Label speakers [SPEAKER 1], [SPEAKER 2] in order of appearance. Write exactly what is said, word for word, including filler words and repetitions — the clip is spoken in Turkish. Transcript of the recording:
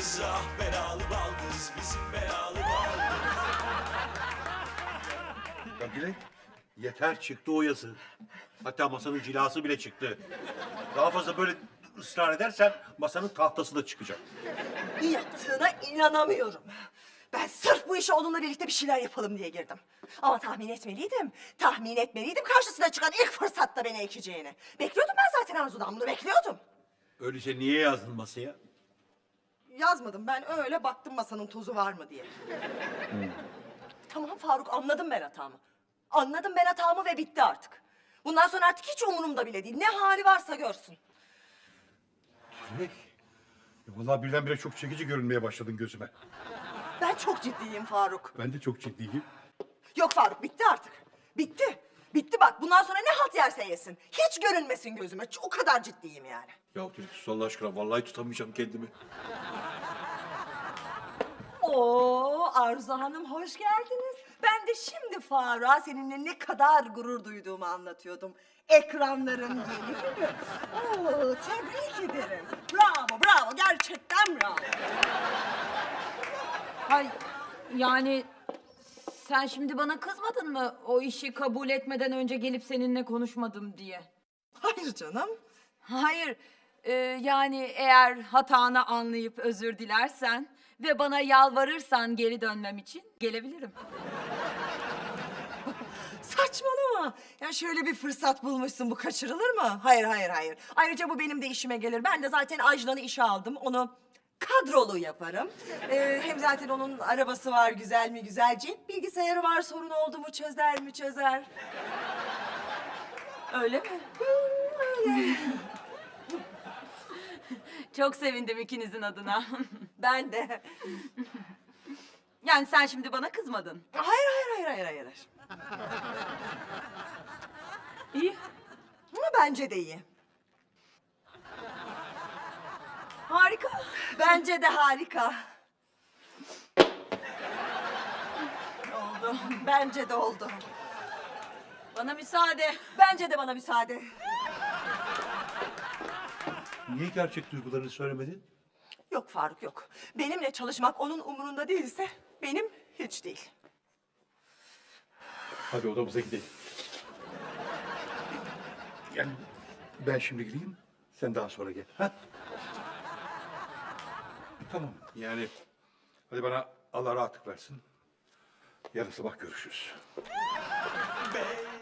[SPEAKER 1] baldız, ah belalı baldız, bizim belalı baldız.
[SPEAKER 2] Ya Dilek, yeter çıktı o yazı. Hatta masanın cilası bile çıktı. Daha fazla böyle ısrar edersen masanın tahtası da çıkacak.
[SPEAKER 3] Yaptığına inanamıyorum. Ben sırf bu işe onunla birlikte bir şeyler yapalım diye girdim. Ama tahmin etmeliydim. Tahmin etmeliydim karşısına çıkan ilk fırsatta beni ekeceğini. Bekliyordum ben zaten Arzu'dan bunu bekliyordum.
[SPEAKER 2] Öyleyse niye yazdın masaya?
[SPEAKER 3] Yazmadım ben öyle baktım masanın tozu var mı diye. Tamam Faruk anladım ben hatamı. Anladım ben hatamı ve bitti artık. Bundan sonra artık hiç umurumda bile değil. Ne hali varsa görsün.
[SPEAKER 2] Dilek, ya vallahi birdenbire çok çekici görünmeye başladın gözüme.
[SPEAKER 3] Ben çok ciddiyim Faruk.
[SPEAKER 2] Ben de çok ciddiyim.
[SPEAKER 3] Yok Faruk bitti artık. Bitti. Bitti bak bundan sonra ne halt yerse yesin. Hiç görünmesin gözüme. O kadar ciddiyim yani.
[SPEAKER 2] Ya Dilek sus Allah aşkına, vallahi tutamayacağım kendimi.
[SPEAKER 3] Oo Arzu Hanım hoş geldiniz. Ben de şimdi Faruk'a seninle ne kadar gurur duyduğumu anlatıyordum. Ekranların yeni günü. Oo tebrik ederim. Bravo bravo gerçekten bravo.
[SPEAKER 4] Hay yani sen şimdi bana kızmadın mı o işi kabul etmeden önce gelip seninle konuşmadım diye?
[SPEAKER 3] Hayır canım.
[SPEAKER 4] Hayır e, yani eğer hatanı anlayıp özür dilersen ve bana yalvarırsan geri dönmem için gelebilirim.
[SPEAKER 3] Saçmalama. Ya şöyle bir fırsat bulmuşsun bu kaçırılır mı? Hayır hayır hayır. Ayrıca bu benim de işime gelir. Ben de zaten Ajlan'ı işe aldım. Onu kadrolu yaparım. Ee, hem zaten onun arabası var güzel mi güzel. Cep bilgisayarı var sorun oldu mu çözer mi çözer. Öyle mi? Hı, öyle.
[SPEAKER 4] Çok sevindim ikinizin adına.
[SPEAKER 3] Ben de.
[SPEAKER 4] Yani sen şimdi bana kızmadın.
[SPEAKER 3] Hayır hayır hayır hayır hayır.
[SPEAKER 4] İyi.
[SPEAKER 3] Ama bence de iyi.
[SPEAKER 4] Harika.
[SPEAKER 3] Bence de harika. Oldu. Bence de oldu.
[SPEAKER 4] Bana müsaade.
[SPEAKER 3] Bence de bana müsaade.
[SPEAKER 2] Niye gerçek duygularını söylemedin?
[SPEAKER 3] Yok Faruk yok. Benimle çalışmak onun umurunda değilse benim hiç değil.
[SPEAKER 2] Hadi odamıza gidelim. Yani ben şimdi gideyim, sen daha sonra gel. Ha? Tamam. Yani hadi bana Allah rahatlık versin. Yarın sabah görüşürüz.
[SPEAKER 1] Bey